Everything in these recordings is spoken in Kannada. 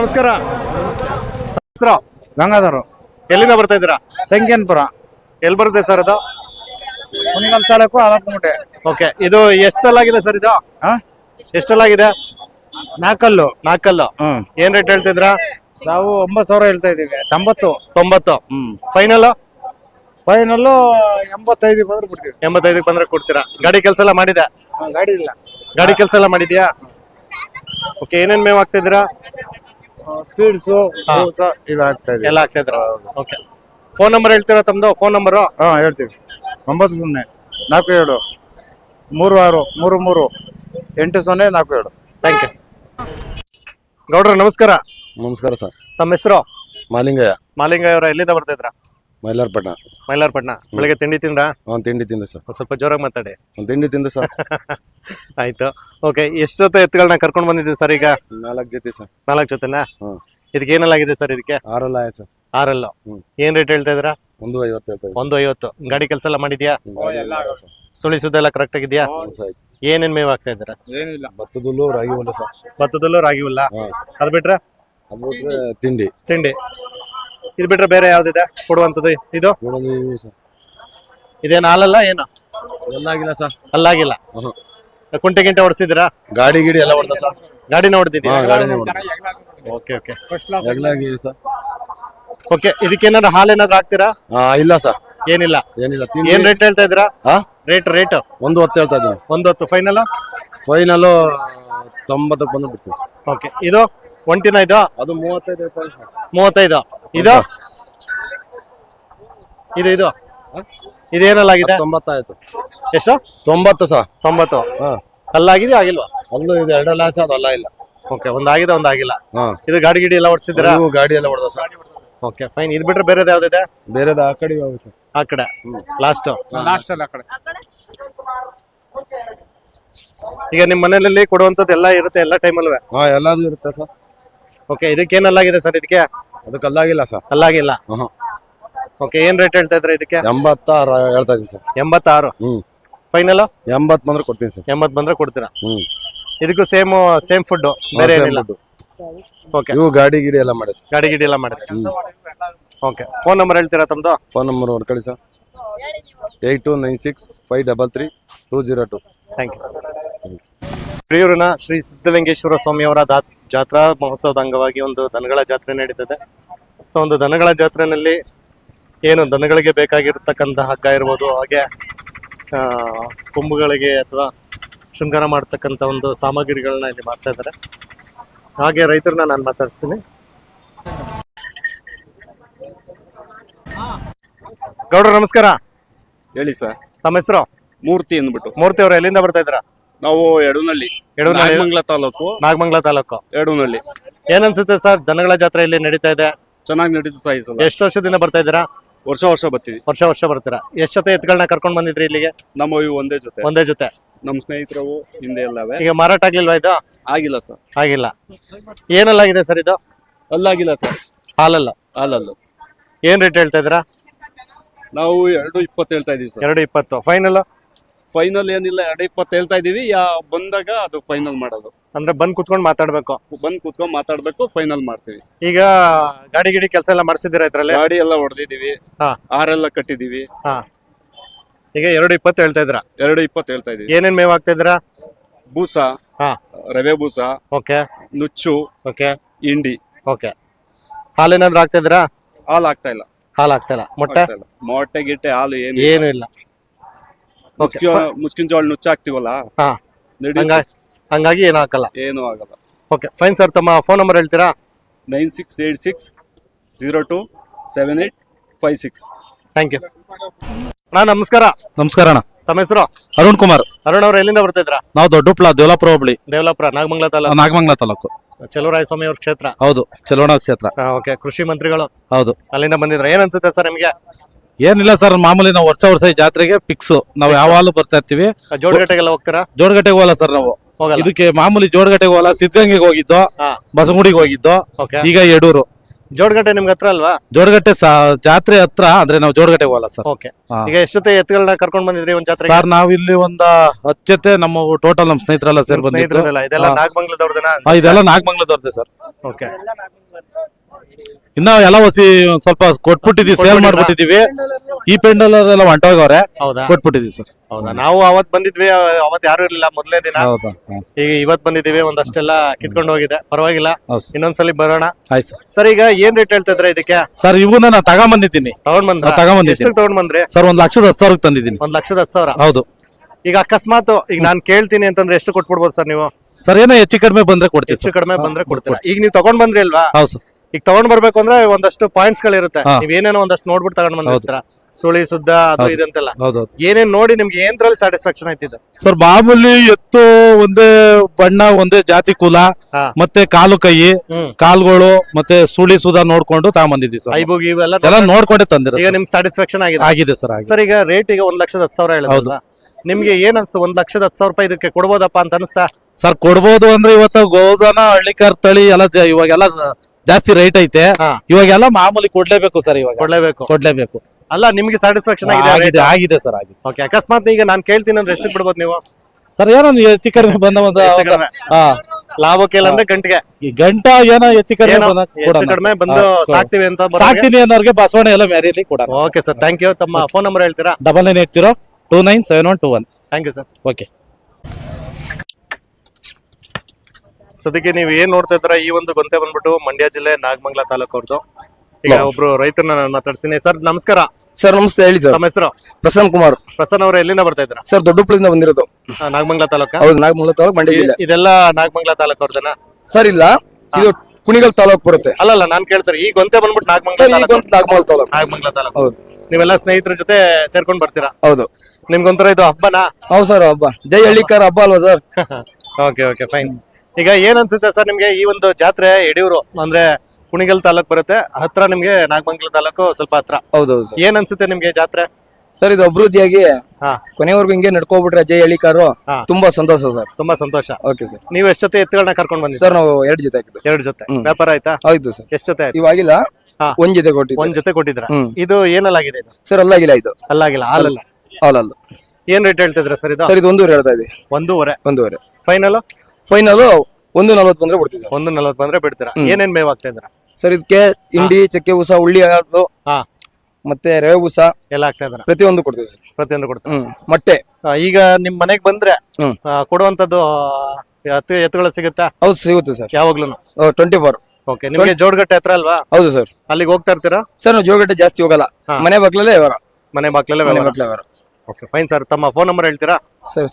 ನಮಸ್ಕಾರ. ಹೆಸರು ಗಂಗಾಧರ್. ಎಲ್ಲಿಂದ ಬರ್ತಾ ಇದ್ದೀರಾ? ಸಂಖ್ಯಾನಪುರ. ಎಲ್ಲಿ ಬರುತ್ತೆ ಸರ್ ಅದು? ಕುಣಿಗಲ್ ತಾಲೂಕು ಹಳಪಮುಟೆ. ಓಕೆ, ಇದು ಎಷ್ಟಲ್ಲಾಗಿದೆ ಸರ್ ಇದು? ಎಷ್ಟಲ್ಲಾಗಿದೆ? ನಾಲ್ಕಲ್ಲು. ನಾಲ್ಕಲ್ಲು. ಏನ್ ರೇಟ್ ಹೇಳ್ತಿದ್ರಾ? ನಾವು 9,000 ಹೇಳ್ತಾ ಇದೀವಿ. 90. ಫೈನಲ್? ಫೈನಲ್ಲು 85 ಬಂದ್ರೆ ಬಿಡ್ತೀವಿ. 85 ಬಂದ್ರೆ ಕೊಡ್ತೀರಾ? ಗಾಡಿ ಕೆಲಸ ಎಲ್ಲ ಮಾಡಿದೆ? ಗಾಡಿ ಇಲ್ಲ. ಗಾಡಿ ಕೆಲಸ ಎಲ್ಲ ಮಾಡಿದ್ಯಾ? ಓಕೆ, ಏನೇನ್ ಮೇವ್ ಆಗ್ತಿದ್ದೀರಾ? ಫೀಡ್ಸು ಇದು ಆಗ್ತಾ ಇದೆ. ಎಲ್ಲ ಆಗ್ತಿದ್ರ? ಓಕೆ, ಫೋನ್ ನಂಬರ್ ಹೇಳ್ತೀರಾ ತಮ್ದು? ಫೋನ್ ನಂಬರು ಹೇಳ್ತೀವಿ. 90 47 36 33 8047. Thank you. ಗೌಡ್ರ ನಮಸ್ಕಾರ. ನಮಸ್ಕಾರ ಸರ್. ತಮ್ಮ ಹೆಸರು? ಮಾಲಿಂಗಯ್ಯ. ಮಾಲಿಂಗಯ್ಯ ಅವರ ಎಲ್ಲಿಂದ ಬರ್ತಿದ್ರ? ಮೈಲಾರಪಟ್ಟಣ. ಮೈಲಾರಪಟ್ಟಣ. ಬೆಳಿಗ್ಗೆ ತಿಂಡಿ ತಿಂದ್ರಾ? ತಿಂಡಿ ತಿಂದೆ ಸರ್. ಸ್ವಲ್ಪ ಜೋರಾಗಿ ಮಾತಾಡಿ. ತಿಂಡಿ ತಿಂದೆ ಸರ್. ಆಯ್ತು. ಓಕೆ, ಎಷ್ಟೊತ್ತು ಎತ್ತುಗಳನ್ನ ಕರ್ಕೊಂಡು ಬಂದಿದ್ದೀವಿ ಸರ್ ಈಗ? 4 ಜೊತೆ ಸರ್. 4 ಜೊತೆನಾ? ಇದಕ್ಕೆ ಏನೆಲ್ಲಾಗಿದೆ ಸರ್? ಇದಕ್ಕೆ 6 ಆಯ್ತು ಸರ್. 6. ಏನ್ ರೇಟ್ ಹೇಳ್ತಾ ಇದ್ದೀರಾ? 150 ಹೇಳ್ತಾ ಇದ್ದೀವಿ. 150. ಗಾಡಿ ಕೆಲಸ ಎಲ್ಲ ಮಾಡಿದ್ಯಾ? ಸುಳಿ ಸುದ್ದ ಎಲ್ಲ ಕರೆಕ್ಟ್ ಆಗಿದ್ಯಾ? ಏನೇನ್ ಮೇವ್ ಆಗ್ತಾ ಇದ್ದೀರಾ? ಏನಿಲ್ಲ, ಭತ್ತದಲ್ಲೂ ರಾಗಿ ಹುಲ್ಲು ಸರ್. ಭತ್ತದಲ್ಲೂ ರಾಗಿ ಹುಲ್ಲ. ಅದ್ ಬಿಟ್ರೆ? ಅದು ಬಿಟ್ರೆ ತಿಂಡಿ. ತಿಂಡಿ. ಇದು ಬಿಟ್ರೆ ಬೇರೆ ಯಾವ್ದಿದೆ ಕೊಡುವಂತದ್ದು? ಇದು ಸರ್. ಇದೇನು ಹಾಲಲ್ಲ ಏನು? ಎಲ್ಲ ಆಗಿಲ್ಲ ಸರ್. ಅಲ್ಲಾಗಿಲ್ಲ. ಕುಂಟೆ ಗಿಂಟೆ ಹೊಡ್ಸಿದ್ದೀರಾ? ಗಾಡಿ ಗಿಡಿ ಎಲ್ಲ ಹೊಡೆದ ಸರ್. ಗಾಡಿನ ಹೊಡೆದಿದ್ದೀರಾ? ಗಾಡಿನೇ ಓಕೆ ಓಕೆ ಎಗ್ಲಾಗಿದೆ ಸರ್. ಓಕೆ, ಇದಕ್ಕೇನಾದ್ರು ಹಾಲು ಏನಾದ್ರು ಹಾಕ್ತೀರಾ? ಇಲ್ಲ ಸರ್, ಏನಿಲ್ಲ. ಏನಿಲ್ಲ. ಏನ್ ರೇಟ್ ಹೇಳ್ತಾ ಇದ್ದೀರಾ? ರೇಟ್ 110 ಹೇಳ್ತಾ ಇದ್ದೀನಿ. 110. ಫೈನಲ್? ಫೈನಲ್ 90 ಬಂದು ಬಿಡ್ತೀವಿ. ಓಕೆ, ಇದು ಒಂಟಿನ? ಇದು ಅದು 35 35. ಇದು ಇದು ಇದು ಇದೇನಲ್ಲಾಗಿದೆ? 90 ಆಯ್ತು. ಎಷ್ಟು? 90 ಸರ್. 90. ಅಲ್ಲಾಗಿದೆ ಆಗಿಲ್ವಾ? ಅಲ್ಲೂ ಇದು 2 ಲಾಸ್ ಅದು ಅಲ್ಲ ಇಲ್ಲ. ಓಕೆ, ಒಂದಾಗಿದೆ ಒಂದಾಗಿಲ್ಲ. ಇದು ಗಾಡಿ ಗಿಡಿ ಎಲ್ಲ ಓಡಿಸಿದ್ರಾ? ಗಾಡಿ ಎಲ್ಲ ಹೊಡೆದ ಸರ್. Okay fine. ಇದು ಬಿಟ್ರೆ ಬೇರೆದು ಯಾವ್ದಿದೆ? ಬೇರೆದ ಆ ಕಡೆ ಸರ್. ಆ ಕಡೆ ಲಾಸ್ಟ್ ಆ ಕಡೆ. ಈಗ ನಿಮ್ ಮನೆಯಲ್ಲಿ ಕೊಡುವಂತದ್ದು ಎಲ್ಲ ಇರುತ್ತೆ ಎಲ್ಲ ಟೈಮಲ್ವೇ? ಎಲ್ಲಾದು ಇರುತ್ತೆ ಸರ್. Okay, ಇದಕ್ಕೇನಲ್ಲಾಗಿದೆ sir? ಇದಕ್ಕೆ ಅದಕ್ಕೆ ಅಲ್ಲಾಗಿಲ್ಲ ಸರ್. ಅಲ್ಲಾಗಿಲ್ಲ. ಓಕೆ, ಏನ್ ರೇಟ್ ಹೇಳ್ತಾ ಇದ್ರೆ ಇದಕ್ಕೆ? 86 ಹೇಳ್ತಾ ಇದೀನಿ ಸರ್. 86. ಫೈನಲ್ 80 ಬಂದ್ರೆ ಕೊಡ್ತೀನಿ ಸರ್. 80 ಬಂದ್ರೆ ಕೊಡ್ತೀರಾ? ಇದಕ್ಕೂ ಸೇಮ್ ಫುಡ್, ಬೇರೆ ಏನಿಲ್ಲ? ಓಕೆ, ಇವು ಗಾಡಿ ಗಿಡಿ ಎಲ್ಲ ಮಾಡಿ ಸರ್. ಗಾಡಿ ಗಿಡಿ ಎಲ್ಲ ಮಾಡಿದ್ರೆ. ಓಕೆ, ಫೋನ್ ನಂಬರ್ ಹೇಳ್ತೀರಾ ತಮ್ದು? ಫೋನ್ ನಂಬರ್ ಹೊಡ್ಕೊಳ್ಳಿ ಸರ್. 8296533202. Thank you. ಪ್ರಿಯೂರಿನ ಶ್ರೀ ಸಿದ್ಧಲಿಂಗೇಶ್ವರ ಸ್ವಾಮಿಯವರ ಜಾತ್ರಾ ಮಹೋತ್ಸವದ ಅಂಗವಾಗಿ ಒಂದು ದನಗಳ ಜಾತ್ರೆ ನಡೀತದೆ. ಸೊ ಒಂದು ದನಗಳ ಜಾತ್ರೆನಲ್ಲಿ ಏನು ದನಗಳಿಗೆ ಬೇಕಾಗಿರ್ತಕ್ಕಂಥ ಹಗ್ಗ ಇರ್ಬೋದು, ಹಾಗೆ ಕೊಂಬುಗಳಿಗೆ ಅಥವಾ ಶೃಂಗಾರ ಮಾಡ್ತಕ್ಕಂಥ ಒಂದು ಸಾಮಗ್ರಿಗಳನ್ನ ಇಲ್ಲಿ ಮಾಡ್ತಾ ಇದ್ದಾರೆ. ಹಾಗೆ ರೈತರನ್ನ ನಾನು ಮಾತಾಡಿಸ್ತೀನಿ. ಗೌಡ್ರ ನಮಸ್ಕಾರ. ಹೇಳಿ ಸರ್. ತಮ್ಮ ಹೆಸರು? ಮೂರ್ತಿ ಅಂದ್ಬಿಟ್ಟು. ಮೂರ್ತಿ ಅವರು ಎಲ್ಲಿಂದ ಬರ್ತಾ ಇದ್ರ? ನಾವು ಎಡನಹಳ್ಳಿ, ನಾಗಮಂಗಲ ತಾಲೂಕು. ನಾಗಮಂಗಲ ತಾಲೂಕು, ಎಡನಹಳ್ಳಿ. ಏನನ್ಸುತ್ತೆ ಸರ್ ದನಗಳ ಜಾತ್ರೆ ಇಲ್ಲಿ ನಡೀತಾ ಇದೆ? ಚೆನ್ನಾಗಿ ನಡೀತು ಸರ್. ಎಷ್ಟು ವರ್ಷದಿಂದ ಬರ್ತಾ ಇದ್ದೀರಾ? ವರ್ಷ ಬರ್ತೀವಿ. ವರ್ಷ ಬರ್ತೀರಾ? ಎಷ್ಟು ಜೊತೆ ಎತ್ತುಗಳನ್ನ ಕರ್ಕೊಂಡ್ ಬಂದಿದ್ರಿ ಇಲ್ಲಿಗೆ? ನಮ್ಮ ಒಂದೇ ಜೊತೆ. ನಮ್ಮ ಸ್ನೇಹಿತರವು ಹಿಂದೆ ಎಲ್ಲವೇ. ಈಗ ಮಾರಾಟ ಆಗ್ಲಿಲ್ವಾ ಇದು? ಆಗಿಲ್ಲ ಸರ್. ಆಗಿಲ್ಲ. ಏನಲ್ಲಾಗಿದೆ ಸರ್ ಇದು? ಅಲ್ಲಾಗಿಲ್ಲ ಸರ್. ಹಾಲಲ್ಲ. ಏನ್ ರೇಟ್ ಹೇಳ್ತಾ ಇದ್ದೀರಾ? ನಾವು 220 ಹೇಳ್ತಾ ಇದೀವಿ ಸರ್. 220. ಫೈನಲ್ ಏನಿಲ್ಲ, 220 ಹೇಳ್ತಾ ಇದೀವಿ. ಬಂದಾಗ ಅದು ಫೈನಲ್ ಮಾಡೋದು. ಅಂದ್ರೆ ಬಂದ್ ಕುತ್ಕೊಂಡ್ ಮಾತಾಡ್ಬೇಕು. ಫೈನಲ್ ಮಾಡ್ತೀವಿ. ಈಗ ಗಾಡಿ ಗಿಡಿ ಕೆಲಸ ಎಲ್ಲ ಮಾಡಿಸಿದಿರಾ ಇದ್ರಲ್ಲಿ? ಗಾಡಿ ಎಲ್ಲ ಹೊಡೆದಿದೀವಿ. ಆರೆಲ್ಲ ಕಟ್ಟಿದೀವಿ. ಈಗ 220 ಹೇಳ್ತಾ ಇದ್ರ? 220 ಹೇಳ್ತಾ ಇದೀವಿ. ಏನೇನ್ ಮೇವ್ ಆಗ್ತಾ ಇದ್ರ? ಬೂಸ, ರವೆ ಬೂಸ, ಓಕೆ, ನುಚ್ಚು, ಓಕೆ, ಹಿಂಡಿ. ಓಕೆ, ಹಾಲೇನಾದ್ರು ಆಗ್ತಾ ಇದ್ರ? ಹಾಲು ಆಗ್ತಾ ಇಲ್ಲ. ಮೊಟ್ಟೆ ಗಿಟ್ಟೆ ಹಾಲು ಏನು ಇಲ್ಲ. ಮುಸ್ಕಿನ ಜೋಳ ನುಚ್ಚು ಹಾಕ್ತಿವಲ್ಲ, ಹಂಗಾಗಿ ಏನು ಹಾಕಲ್ಲ. ಏನು ಆಗಲ್ಲ. Okay fine sir. ತಮ್ಮ ಫೋನ್ ನಂಬರ್ ಹೇಳ್ತೀರಾ? 9686027856. Thank you. ನಮಸ್ಕಾರ. ನಮಸ್ಕಾರ ಅಣ್ಣ. ತಮ್ಮ ಹೆಸರು? ಅರುಣ್ ಕುಮಾರ್. ಅರುಣ್ ಅವ್ರು ಎಲ್ಲಿಂದ ಬರ್ತಾ ಇದ್ರ? ನಾವು ದೊಡ್ಡಪ್ಲ, ದೇವಲಾಪುರ ಹೋಬಳಿ. ದೇವಲಾಪುರ, ನಾಗಮಂಗಲ ತಾಲೂಕು. ಚಲುವರಾಯ ಅವ್ರ ಕ್ಷೇತ್ರ. ಹೌದು, ಚಲೋಣ ಕ್ಷೇತ್ರ. ಓಕೆ, ಕೃಷಿ ಮಂತ್ರಿಗಳು. ಹೌದು, ಅಲ್ಲಿಂದ ಬಂದಿದ್ರ. ಏನ್ ಅನ್ಸುತ್ತೆ ಸರ್ ನಿಮ್ಗೆ? ಏನಿಲ್ಲ ಸರ್, ಮಾಮೂಲಿ ನಾವು ವರ್ಷ ಈ ಜಾತ್ರೆಗೆ ಫಿಕ್ಸ್. ನಾವು ಯಾವಾಗಲೂ ಬರ್ತಾ ಇರ್ತೀವಿ. ಜೋಡಗಟ್ಟೆಗೆಲ್ಲ ಹೋಗ್ತೀರಾ? ಜೋಡಗಟ್ಟೆಗೆ ಹೋಗಲ್ಲ ಸರ್ ನಾವು. ಇದಕ್ಕೆ ಮಾಮೂಲಿ ಜೋಡಗಟ್ಟೆಗೆ ಹೋಗಲ್ಲ, ಸಿದ್ಧಗಂಗೆಗೆ ಹೋಗಿದ್ದು, ಬಸಗುಡಿಗೆ ಹೋಗಿದ್ದು, ಈಗ ಯಡೂರು. ಜೋಡ್ಗಟ್ಟೆ ನಿಮ್ಗೆ ಹತ್ರ ಅಲ್ವಾ? ಜೋಡಗಟ್ಟೆ ಜಾತ್ರೆ ಹತ್ರ ಅಂದ್ರೆ ನಾವು ಜೋಡಗಟ್ಟೆ ಹೋಗಲ್ಲ ಸರ್. ಓಕೆ. ಈಗ ಎಷ್ಟು ಜೊತೆ ಎತ್ತುಗಳನ್ನ ಕರ್ಕೊಂಡ್ ಬಂದಿದ್ರಿ ಒಂದ್ ಜಾತ್ರೆ? ಸರ್ ನಾವ್ ಇಲ್ಲಿ ಒಂದ 10 ಜೊತೆ ನಮ್ಮ ಟೋಟಲ್ ನಮ್ಮ ಸ್ನೇಹಿತರೆಲ್ಲ ಸೇರ್ ಬಂದಿತ್ತು. ಇದೆಲ್ಲ ನಾಗಮಂಗಲದವ್ರದನ? ಇದೆಲ್ಲ ನಾಗಮಂಗಲದವ್ರದ್ದೆ ಸರ್. ಓಕೆ. ಇನ್ನ ಎಲ್ಲ ಹೊಸಿ ಒಂದ್ ಸ್ವಲ್ಪ ಕೊಟ್ಬಿಟ್ಟಿದೀವಿ, ಸೇಲ್ ಮಾಡ್ಬಿಟ್ಟಿದೀವಿ. ಈ ಪೆಂಡಲ್ ಎಲ್ಲ ಹೊಂಟೋಗವ್ರೆ, ಹೌದಾ? ಕೊಟ್ಬಿಟ್ಟಿದೀವಿ ಸರ್. ಹೌದಾ? ನಾವು ಅವತ್ ಬಂದಿದ್ವಿ, ಅವತ್ ಯಾರು ಇರ್ಲಿಲ್ಲ ಮೊದಲನೇ ದಿನ. ಹೌದಾ? ಈಗ ಇವತ್ ಬಂದಿದೀವಿ, ಒಂದಷ್ಟೆಲ್ಲ ಕಿತ್ಕೊಂಡು ಹೋಗಿದೆ, ಪರವಾಗಿಲ್ಲ. ಹೌದು ಸರ್. ಇನ್ನೊಂದ್ಸಲಿ ಬರೋಣ. ಆಯ್ತು ಸರ್. ಸರ್ ಈಗ ಏನ್ ರೇಟ್ ಹೇಳ್ತಾ ಇದ್ರ ಇದಕ್ಕೆ? ಸರ್ ಇವನ್ನ ನಾನು ತಗೊಂಬಂದಿದ್ದೀನಿ. ತಗೊಂಡ್ ಬಂದ್ರ? ತಗೊಂಬಂದಿದ್ದೀನಿ. ಎಷ್ಟು ತಗೊಂಡ್ ಬಂದ್ರಿ? ಸರ್ 1,10,10,000 ತಂದಿದ್ದೀನಿ. 1,10,10,000. ಹೌದು. ಈಗ ಅಕಸ್ಮಾತ್ ಈಗ ನಾನ್ ಕೇಳ್ತೀನಿ ಅಂತಂದ್ರೆ ಎಷ್ಟು ಕೊಟ್ಬಿಡ್ಬೋದು ಸರ್ ನೀವು? ಸರ್ ಏನೋ ಹೆಚ್ಚು ಕಡಿಮೆ ಬಂದ್ರೆ ಕೊಡ್ತೀವಿ. ಹೆಚ್ಚು ಕಡಿಮೆ ಬಂದ್ರೆ ಕೊಡ್ತೀರಾ? ಈಗ ನೀವು ತಗೊಂಡ್ ಬಂದ್ರಿ ಅಲ್ವಾ? ಹೌದು ಸರ್. ಈಗ ತಗೊಂಡ್ ಬರ್ಬೇಕು ಅಂದ್ರೆ ಒಂದಷ್ಟು ಪಾಯಿಂಟ್ಸ್ ಗಳಿರುತ್ತೆ. ಹಾ. ನೀವ್ ಏನೇನೋ ಒಂದಷ್ಟು ನೋಡ್ಬಿಟ್ಟು ತಗೊಂಡ್ ಬಂದಿರ್ತೀರಾ, ಸುಳಿ ಸುದ್ದ ಅದು ಇದಂತೆಲ್ಲ. ಹೌದೌದು. ಏನೇನ್ ನೋಡಿ ನಿಮ್ಗೆ ಏನ್ರಲ್ಲಿ ಸ್ಯಾಟಿಸ್ಫ್ಯಾಕ್ಷನ್ ಆಯ್ತಿದೆ? ಸರ್ ಮಾಮೂಲಿ ಎತ್ತು ಒಂದೇ ಬಣ್ಣ, ಒಂದೇ ಜಾತಿ ಕುಲ, ಹಾ. ಮತ್ತೆ ಕಾಲು ಕೈ, ಹ್ಮ್. ಕಾಲ್ಗಳು ಮತ್ತೆ ಸುಳಿ ಸುಧಾ ನೋಡ್ಕೊಂಡು ತಗೊಂಬಂದಿದ್ದೀವಿ ಸರ್. ಐಬುಗ್ ಇವೆಲ್ಲ ಎಲ್ಲ ನೋಡ್ಕೊಂಡೆ ತಂದಿರ ಈಗ ನಿಮ್ಗೆ ಸ್ಯಾಟಿಸ್ಫ್ಯಾಕ್ಷನ್ ಆಗಿದೆ? ಆಗಿದೆ ಸರ್. ಆಗಿದೆ ಸರ್ ಈಗ ರೇಟ್ ಈಗ 1,10,10,000 ಹೇಳಿದ್ರಲ್ಲ, ನಿಮ್ಗೆ ಏನ್ ಅನ್ಸು? 1,10,10,000 ರೂಪಾಯಿ ಇದಕ್ಕೆ ಕೊಡ್ಬೋದಪ್ಪ ಅಂತ ಅನಿಸ್ತಾ? ಸರ್ ಕೊಡ್ಬೋದು ಅಂದ್ರೆ ಇವತ್ತು ಗೋಧನ ಹಳ್ಳಿಕಾರ್ ತಳಿ ಎಲ್ಲ ಇವಾಗೆಲ್ಲ ಜಾಸ್ತಿ ರೇಟ್ ಐತೆ. ಹಾ. ಇವಾಗೆಲ್ಲ ಮಾಮೂಲಿ ಕೊಡ್ಲೇಬೇಕು ಸರ್. ಇವಾಗ ಕೊಡ್ಲೇಬೇಕು. ಅಲ್ಲ ನಿಮ್ಗೆ ಸ್ಯಾಟಿಸ್ಫ್ಯಾಕ್ಷನ್ ಆಗಿದೆ ಆಗಿದೆ? ಆಗಿದೆ ಸರ್. ಆಗಿದೆ. ಓಕೆ. ಅಕಸ್ಮಾತ್ ಈಗ ನಾನ್ ಕೇಳ್ತೀನಿ ಅಂದ್ರೆ ಎಷ್ಟು ಬಿಡ್ಬೋದು ನೀವು? ಸರ್ ಏನೋ ಹೆಚ್ಚು ಕಡಿಮೆ ಬಂದ ಹೆಚ್ಚು ಕಡಿಮೆ? ಲಾಭಕ್ಕೆ ಇಲ್ಲ ಅಂದ್ರೆ ಗಂಟೆಗೆ? ಈ ಗಂಟ ಏನೋ ಹೆಚ್ಚು ಕಡಿಮೆ ಏನೋ ಬಂದಾಗ ಹೆಚ್ಚು ಕೊಡೋಣ ಕಡಿಮೆ ಸರ್. ಬಂದು ಹಾ, ಸಾಕ್ತಿವಿ ಅಂತ ಸಾಕ್ತೀನಿ ಅನ್ನೋರ್ಗೆ ಬಸವಣ್ಣ ಎಲ್ಲ ಮ್ಯಾರಿಲಿ ಕೊಡೋಣ. Oh. Okay sir, thank you. ತಮ್ಮ ಫೋನ್ ನಂಬರ್ ಹೇಳ್ತೀರಾ? 9980297121. Thank you sir. ಓಕೆ. ಸದ್ಯಕ್ಕೆ ನೀವು ಏನ್ ನೋಡ್ತಾ ಇದ್ರ ಈ ಒಂದು ಗೊಂತೆ ಬಂದ್ಬಿಟ್ಟು ಮಂಡ್ಯ ಜಿಲ್ಲೆ ನಾಗಮಂಗಲ ತಾಲೂಕು ಅವ್ರದ್ದು. ಈಗ ಒಬ್ರು ರೈತರನ್ನ ನಾನು ಮಾತಾಡ್ತೀನಿ. ಸರ್ ನಮಸ್ಕಾರ. ಸರ್ ನಮಸ್ತೆ, ಹೇಳಿ ಸರ್. ನಮ್ಮ ಹೆಸರು? ಪ್ರಸನ್ನ ಕುಮಾರ್. ಪ್ರಸನ್ನ ಅವ್ರ ಎಲ್ಲಿಂದ ಬರ್ತಾ ಇದ್ರ? ಸರ್ ದೊಡ್ಡಪುಳಿಂದ ಬಂದಿರೋದು. ನಾಗಮಂಗಲ ತಾಲೂಕ? ಹೌದು, ನಾಗಮಂಗಲ ತಾಲೂಕು, ಮಂಡ್ಯ ಜಿಲ್ಲೆ. ಇದೆಲ್ಲ ನಾಗಮಂಗಲ ತಾಲೂಕು ಅವ್ರದನ? ಸರ್ ಇಲ್ಲ, ಇದು ಕುಣಿಗಲ್ ತಾಲೂಕು ಬರುತ್ತೆ. ಅಲ್ಲಲ್ಲ, ನಾನ್ ಕೇಳ್ತಾರೆ ಈ ಗೊಂತೆ ಬಂದ್ಬಿಟ್ಟು ನಾಗಮಂಗಲ ಸರ್ ಈಗ ತಾಲೂಕು? ಒಂದು ನಾಗಮಂಗಲ ತಾಲೂಕು. ನಾಗಮಂಗಲ ತಾಲೂಕು. ಹೌದು. ನೀವೆಲ್ಲ ಸ್ನೇಹಿತರ ಜೊತೆ ಸೇರ್ಕೊಂಡ್ ಬರ್ತೀರಾ? ಹೌದು. ನಿಮ್ಗೊಂಥರ ಇದು ಹಬ್ಬನಾ? ಹೌದು ಸರ್, ಹಬ್ಬ. ಜೈ ಹಳ್ಳಿಕಾರ ಹಬ್ಬ ಅಲ್ವಾ ಸರ್? Okay okay, fine. ಈಗ ಏನ್ ಅನ್ಸುತ್ತೆ ಸರ್ ನಿಮ್ಗೆ ಈ ಒಂದು ಜಾತ್ರೆ? ಯಡಿಯೂರು ಅಂದ್ರೆ ಕುಣಿಗಲ್ ತಾಲೂಕ್ ಬರುತ್ತೆ, ಹತ್ರ ನಿಮ್ಗೆ ನಾಗಮಂಗಲ ತಾಲೂಕು ಸ್ವಲ್ಪ ಹತ್ರ. ಹೌದೌದು ಸರ್. ಏನ್ ಅನ್ಸುತ್ತೆ ನಿಮ್ಗೆ ಜಾತ್ರೆ? ಸರ್ ಇದು ಅಭಿವೃದ್ಧಿಯಾಗಿ ಹಾ. ಕೊನೆವರೆಗೂ ಹಿಂಗೆ ನಡ್ಕೋಬಿಟ್ರೆ ಜೈ ಹಳ್ಳಿಕಾರು ಹಾ. ತುಂಬಾ ಸಂತೋಷ ಸರ್. ತುಂಬಾ ಸಂತೋಷ. Okay sir. ನೀವು ಎಷ್ಟು ಜೊತೆ ಎತ್ತುಗಳನ್ನ ಕರ್ಕೊಂಡ್ ಬಂದಿದ್ದೀರಾ? ಸರ್ ನಾವು 2 ಜೊತೆ ಹಾಕಿದ್ದು. 2 ಜೊತೆ. ಹ್ಮ್. ವ್ಯಾಪಾರ ಆಯ್ತಾ? ಆಯ್ತು ಸರ್. ಎಷ್ಟು ಜೊತೆ ಆಯ್ತು? ಇವಾಗಿಲ್ಲ, ಹಾ. 1 ಜೊತೆ ಕೊಟ್ಟಿದ್ದು. 1 ಜೊತೆ ಕೊಟ್ಟಿದ್ರ? ಹ್ಮ್. ಇದು ಏನಲ್ಲಾಗಿದೆ ಇದು? ಸರ್ ಅಲ್ಲಾಗಿಲ್ಲ, ಇದು ಅಲ್ಲಾಗಿಲ್ಲ, ಹಾಲಲ್ಲ. ಹಾಲಲ್ಲ. ಏನ್ ರೇಟ್ ಹೇಳ್ತಿದ್ರ ಸರ್ ಇದು? ಸರ್ ಇದು 1.5 ಹೇಳ್ತಾ ಇದೆ. 1.5. 1.5 ಫೈನಲ್? ಫೈನಲ್ 1.40 ಬಂದ್ರೆ ಬಿಡ್ತೀವಿ ಸರ್. 1.40 ಬಂದ್ರೆ ಬಿಡ್ತೀರಾ? ಏನೇನ್ ಮೇವ್ ಆಗ್ತಾ ಇದ್ರ? ಸರ್ ಇದಕ್ಕೆ ಹಿಂಡಿ, ಚಕ್ಕೆ ಉಸ, ಉಳ್ಳಿ ಹಾಲು, ಹಾ. ಮತ್ತೆ ರವೆ ಉಸ ಎಲ್ಲ ಆಗ್ತಾ ಇದ್ರ? ಪ್ರತಿಯೊಂದು ಕೊಡ್ತೀವಿ ಸರ್. ಪ್ರತಿಯೊಂದು ಕೊಡ್ತೀರಾ? ಮೊಟ್ಟೆ. ಈಗ ನಿಮ್ ಮನೆಗ್ ಬಂದ್ರೆ ಹ್ಮ್. ಕೊಡುವಂತದ್ದು ಎತ್ತುಗಳು ಸಿಗುತ್ತಾ? ಹೌದು ಸಿಗುತ್ತೆ ಸರ್, ಯಾವಾಗ್ಲೂ? 24. ಓಕೆ. ನಿಮ್ಗೆ ಜೋಡ್ಗಟ್ಟೆ ಹತ್ರ ಅಲ್ವಾ? ಹೌದು ಸರ್. ಅಲ್ಲಿಗೆ ಹೋಗ್ತಾ ಇರ್ತೀರಾ? ಸರ್ ನಾವು ಜೋಗಟ್ಟೆ ಜಾಸ್ತಿ ಹೋಗಲ್ಲ, ಹಾ. ಮನೆ ಬಾಗ್ಲಲ್ಲೇ ವ್ಯವಹಾರ. ಮನೆ ಬಾಕ್ಲಲ್ಲೇ ಮನೆ ವ್ಯವಹಾರ? ಬಾಗ್ಲೇ ವ್ಯವಹಾರ. Okay, fine sir. ತಮ್ಮ ಫೋನ್ ನಂಬರ್ ಹೇಳ್ತೀರಾ? Sir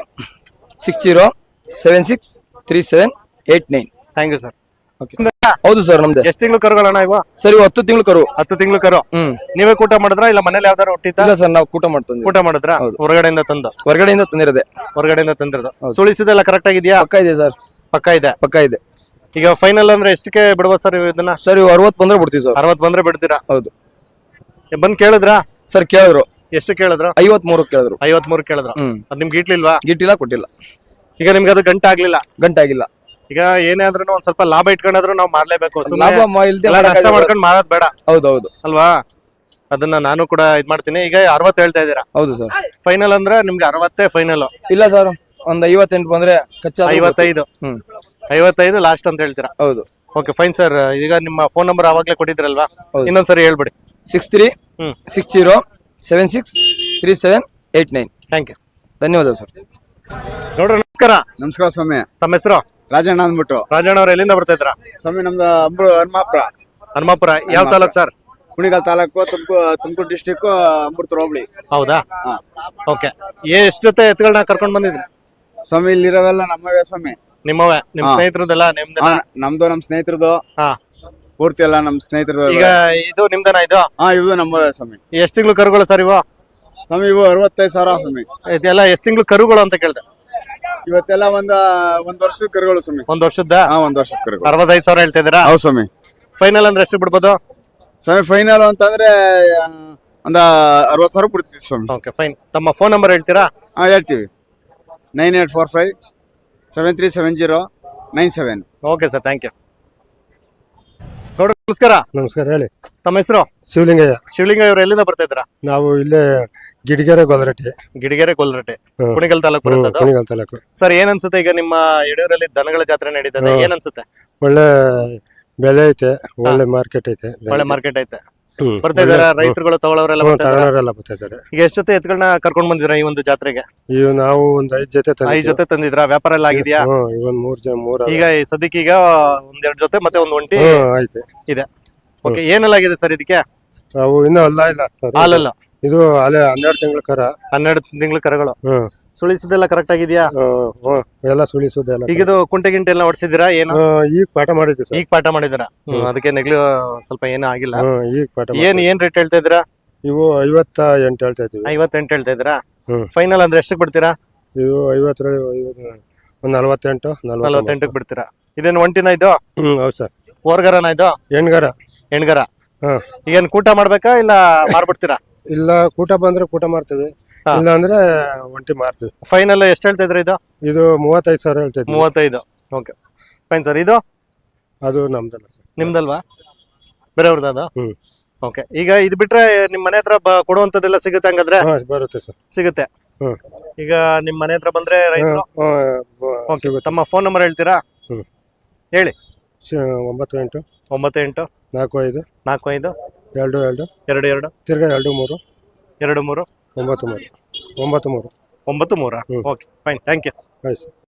6360763789. Thank you sir. Okay. ಹೌದು ಸರ್, ನಮ್ದೆ. ಎಷ್ಟು ತಿಂಗಳು ಕರುಗಳಣ್ಣ ಇವ? ಸರ್ ಇವು 10 ತಿಂಗಳು ಕರು. 10 ತಿಂಗಳು ಕರು. ನೀವೇ ಕೂಟ ಮಾಡಿದ್ರಾ ಇಲ್ಲ ಮನೇಲಿ ಯಾವ್ದಾರು ಹುಟ್ಟಿತಾ? ಇಲ್ಲ ಸರ್, ನಾವು ಕೂಟ ಮಾಡ್ತಂದ್ವಿ. ಕೂಟ ಮಾಡಿದ್ರಾ? ಹೌದು. ಹೊರಗಡೆಯಿಂದ ತಂದು? ಹೊರಗಡೆಯಿಂದ ತಂದಿರೋದೆ. ಹೊರಗಡೆಯಿಂದ ತಂದಿರೋದು. ಹೌದು. ಸುಳಿಸಿದೆಲ್ಲ ಕರೆಕ್ಟ್ ಆಗಿದ್ಯಾ? ಪಕ್ಕ ಇದೆ ಸರ್. ಪಕ್ಕ ಇದೆ. ಪಕ್ಕ ಇದೆ. ಈಗ ಫೈನಲ್ ಅಂದ್ರೆ ಎಷ್ಟಕ್ಕೆ ಬಿಡ್ಬೋದು ಸರ್ ಇದನ್ನ? ಸರ್ ಇವು 60 ಬಂದ್ರೆ ಬಿಡ್ತೀವಿ ಸರ್. 60 ಬಂದ್ರೆ ಬಿಡ್ತೀರಾ? ಹೌದು. ಬಂದ್ ಕೇಳಿದ್ರಾ? ಸರ್ ಕೇಳಿದ್ರು. ಎಷ್ಟು ಕೇಳಿದ್ರು? 53 ಕೇಳಿದ್ರು. 53 ಕೇಳಿದ್ರು. ಅದ್ ನಿಮ್ಗೆ ಇಟ್ಲಿಲ್ವಾ? ಗಿಟ್ಟಿಲ್ಲ, ಕೊಟ್ಟಿಲ್ಲ. ಈಗ ನಿಮ್ಗೆ ಅದು ಗಂಟೆ ಆಗ್ಲಿಲ್ಲ? ಗಂಟಾಗಿಲ್ಲ. ಈಗ ಏನೇ ಆದ್ರೂ ಒಂದ್ ಸ್ವಲ್ಪ ಲಾಭ ಇಟ್ಕೊಂಡ್ರು ನಾವು ಮಾರ್ಲೇಬೇಕು. ಲಾಭ ಇಲ್ದೆ ನಷ್ಟ ಮಾಡ್ಕೊಂಡು ಮಾರೋದ್ ಬೇಡ ಹೌದು ಹೌದು ಅಲ್ವಾ? ಅದನ್ನ ನಾನು ಕೂಡ ಇದ್ ಮಾಡ್ತೀನಿ. ಈಗ 60 ಹೇಳ್ತಾ ಇದ್ದೀರಾ? ಹೌದು ಸರ್. ಫೈನಲ್ ಅಂದ್ರೆ ನಿಮ್ಗೆ 60 ಫೈನಲ್? ಇಲ್ಲ ಸರ್, ಒಂದ್ 58 ಬಂದ್ರೆ ಕಚ್ಚಾ 55. 55 ಲಾಸ್ಟ್ ಅಂತ ಹೇಳ್ತೀರಾ? ಹೌದು. Okay, fine sir. ಈಗ ನಿಮ್ಮ ಫೋನ್ ನಂಬರ್ ಆವಾಗ್ಲೇ ಕೊಟ್ಟಿದ್ರಲ್ವಾ? ಹೌದು. ಇನ್ನೊಂದ್ಸರಿ ಹೇಳ್ಬಿಡಿ. 6360763789. Thank you. ಧನ್ಯವಾದ ಸರ್. ನೋಡ್ರಿ, ನಮಸ್ಕಾರ. ನಮಸ್ಕಾರ ಸ್ವಾಮಿ. ತಮ್ಮ ಹೆಸರು? ರಾಜಣ್ಣ ಅಂದ್ಬಿಟ್ಟು. ರಾಜಣ್ಣ ಅವ್ರ ಎಲ್ಲಿಂದ ಬರ್ತಾ ಇದ್ರ? ಸ್ವಾಮಿ ನಮ್ದು ಹನುಮಾಪುರ. ಹನುಮಾಪುರ ಯಾವ ತಾಲೂಕ್ ಸರ್? ಕುಣಿಗಲ್ ತಾಲೂಕು, ತುಮಕೂರು ಡಿಸ್ಟಿಕ್, ಅಮೃತ ಹೋಬಳಿ. ಹೌದಾ? ಓಕೆ. ಎಷ್ಟು ಜೊತೆ ಎತ್ತುಗಳನ್ನ ಕರ್ಕೊಂಡ್ ಬಂದಿದ್ರಿ ಸ್ವಾಮಿ? ಇಲ್ಲಿರೋವೆಲ್ಲ ನಮ್ಮವೇ ಸ್ವಾಮಿ. ನಿಮ್ಮವೇ? ನಿಮ್ ಸ್ನೇಹಿತರದೆಲ್ಲ ನಿಮ್ದ? ನಮ್ದು ನಮ್ ಸ್ನೇಹಿತರದು. ಹಾ. ಪೂರ್ತಿ ಎಲ್ಲ ನಮ್ ಸ್ನೇಹಿತರದು. ಈಗ ಇದು ನಿಮ್ದನ? ಇದು ಇವು ನಮ್ಮವೇ ಸ್ವಾಮಿ. ಎಷ್ಟ್ ತಿಂಗಳು ಕರುಗಳು ಸರ್ ಇವು? ಸ್ವಾಮಿ ಇವು 65,000 ಸ್ವಾಮಿ. ಇದೆಲ್ಲ ಎಷ್ಟ್ ತಿಂಗಳು ಕರುಗಳು ಅಂತ ಕೇಳ್ದೆ? ಇವತ್ತೆಲ್ಲ ಒಂದ್ ವರ್ಷದ ಕರುಗಳು ಸ್ವಾಮಿ. 1 ವರ್ಷದ? 1 ವರ್ಷದ ಕರುಗಳು. 65,000 ಹೇಳ್ತಾ ಇದೀರಾ? ಹೌದು ಸ್ವಾಮಿ. ಫೈನಲ್ ಅಂದ್ರೆ ಎಷ್ಟು ಬಿಡ್ಬೋದು ಸ್ವಾಮಿ? ಫೈನಲ್ ಅಂತಂದ್ರೆ ಒಂದ 60,000 ಬಿಡ್ತೀವಿ ಸ್ವಾಮಿ. Okay, fine. ತಮ್ಮ ಫೋನ್ ನಂಬರ್ ಹೇಳ್ತೀರಾ? ಹೇಳ್ತೀವಿ. 9845737097. Okay sir, thank you. ನೋಡ್ರಿ ನಮಸ್ಕಾರ. ನಮಸ್ಕಾರ, ಹೇಳಿ. ತಮ್ಮ ಹೆಸರು? ಶಿವಲಿಂಗಯ್ಯ. ಶಿವಲಿಂಗ ಇವರು ಎಲ್ಲಿಂದ ಬರ್ತಾ ಇದ್ರ? ನಾವು ಇಲ್ಲೇ ಗಿಡಿಗೆರೆ ಗೊಲರಟ್ಟಿ, ಗಿಡಿಗೆರೆ ಕೊಲ್ರಟ್ಟೆ, ಹ್ಮ್. ಕುಣಿಗಲ್ ತಾಲೂಕು ಬರ್ತದ. ಕುಣಿಗಲ್ ತಾಲೂಕು. ಸರ್ ಏನ್ ಅನ್ಸುತ್ತೆ ಈಗ ನಿಮ್ಮ ಯಡಿಯೂರಲ್ಲಿ ದನಗಳ ಜಾತ್ರೆ ನಡೀತದೆ, ಹ್ಮ್. ಏನ್ ಅನ್ಸುತ್ತೆ? ಒಳ್ಳೆ ಬೆಲೆ ಐತೆ, ಒಳ್ಳೆ ಮಾರ್ಕೆಟ್ ಐತೆ. ಒಳ್ಳೆ ಮಾರ್ಕೆಟ್ ಐತೆ. ಹ್ಮ್. ಬರ್ತಾ ಇದಾರ ರೈತರುಗಳು ತಗೊಳ್ಳೋರೆಲ್ಲ ಹ್ಮ್, ಬರ್ತಾ ಇದಾರ? ತಗೊಳ್ಳೋರೆಲ್ಲ ಬರ್ತಾ ಇದ್ದಾರೆ. ಈಗ ಎಷ್ಟು ಜೊತೆ ಎತ್ಗಳನ್ನ ಕರ್ಕೊಂಡ್ ಬಂದಿದ್ರ ಈ ಒಂದು ಜಾತ್ರೆಗೆ? ಈಗ ನಾವು ಒಂದ್ 5 ಜೊತೆ 5 ಜೊತೆ ತಂದಿದ್ರ? ವ್ಯಾಪಾರ ಎಲ್ಲ ಆಗಿದ್ಯಾ? ಇವನ್ 3 ಈಗ ಈ ಸದ್ಯಕ್ಕೆ ಈಗ ಒಂದೆರಡು ಜೊತೆ ಮತ್ತೆ ಒಂದ್ ಒಂಟಿ ಐತೆ. ಇದೆ. ಓಕೆ, ಏನೆಲ್ಲ ಆಗಿದೆ ಸರ್ ಇದಕ್ಕೆ? ಅವು ಇನ್ನೂ ಅಲ್ಲ ಇಲ್ಲ ಸರ್. ಹಾಲಲ್ಲ, ಇದು ಅಲ್ಲೇ 12 ತಿಂಗಳ ಕರ. 12 ತಿಂಗಳ ಕರುಗಳು. ಹ್ಮ್. ಸುಳಿಸೋದೆಲ್ಲ ಕರೆಕ್ಟ್ ಆಗಿದ್ಯಾ? ಎಲ್ಲ ಸುಳಿಸೋದೆಲ್ಲ. ಈಗ ಇದು ಕುಂಟೆ ಗಿಂಟೆ ಎಲ್ಲ ಹೊಡ್ಸಿದಿರಾ ಏನು? ಈಗ ಪಾಠ ಮಾಡಿದ್ವಿ ಸರ್. ಈಗ ಪಾಠ ಮಾಡಿದಿರಾ? ಅದಕ್ಕೆ ನೆಗ್ಲು ಸ್ವಲ್ಪ ಏನೂ ಆಗಿಲ್ಲ. ಈಗ ಪಾಠ ಏನ್ ರೇಟ್ ಹೇಳ್ತಾ ಇದ್ದೀರಾ? ಇವು 58 ಹೇಳ್ತಾ ಇದ್ವಿ. 58 ಹೇಳ್ತಾ ಇದ್ದೀರಾ? ಹ್ಮ್. ಫೈನಲ್ ಅಂದ್ರೆ ಎಷ್ಟಕ್ಕೆ ಬಿಡ್ತೀರಾ? ಇವು 50 ಒಂದು 48 48ಕ್ಕೆ ಬಿಡ್ತೀರಾ? ಇದೇನು ಒಂಟಿನ ಇದು? ಹೌದು ಸರ್. ಓರ್ಗರನ ಇದು? ಹೆಣ್ಗರ. ಹೆಣ್ಗರ. ಹ್ಮ್. ಈಗೇನ್ ಕೂಟ ಮಾಡ್ಬೇಕಾ ಇಲ್ಲ ಮಾರ್ಬಿಡ್ತೀರಾ? ಇಲ್ಲ, ಕೂಟ ಬಂದ್ರೆ ಕೂಟ ಮಾಡ್ತೀವಿ, ಹಾ. ಇಲ್ಲ ಅಂದ್ರೆ ಒಂಟಿ ಮಾರ್ತೀವಿ. ಫೈನಲ್ ಎಷ್ಟು ಹೇಳ್ತಾ ಇದ್ರಿ ಇದು? ಇದು 35,000 ಹೇಳ್ತಾ ಇದ್ವಿ. 35. Okay fine sir. ಇದು ಅದು ನಮ್ದಲ್ಲ ಸರ್. ನಿಮ್ದಲ್ವಾ? ಬೇರೆಯವ್ರದ್ದು ಅದು? ಹ್ಮ್. ಓಕೆ, ಈಗ ಇದು ಬಿಟ್ರೆ ನಿಮ್ ಮನೆ ಹತ್ರ ಕೊಡುವಂತದ್ದೆಲ್ಲ ಸಿಗುತ್ತೆ ಹಂಗಾದ್ರೆ? ಹಾ, ಬರುತ್ತೆ ಸರ್. ಸಿಗುತ್ತೆ. ಹ್ಮ್. ಈಗ ನಿಮ್ ಮನೆ ಹತ್ರ ಬಂದ್ರೆ ರೈತರು ಓಕೆ, ಸಿಗುತ್ತೆ. ತಮ್ಮ ಫೋನ್ ನಂಬರ್ ಹೇಳ್ತೀರಾ? ಹ್ಮ್. ಹೇಳಿ. 98 98 45 45 22 22 ತಿರ್ಗಾ 23 23 93 93. 93. ಹ್ಮ್. Okay fine, thank you. ಆಯ್ತು ಸರ್.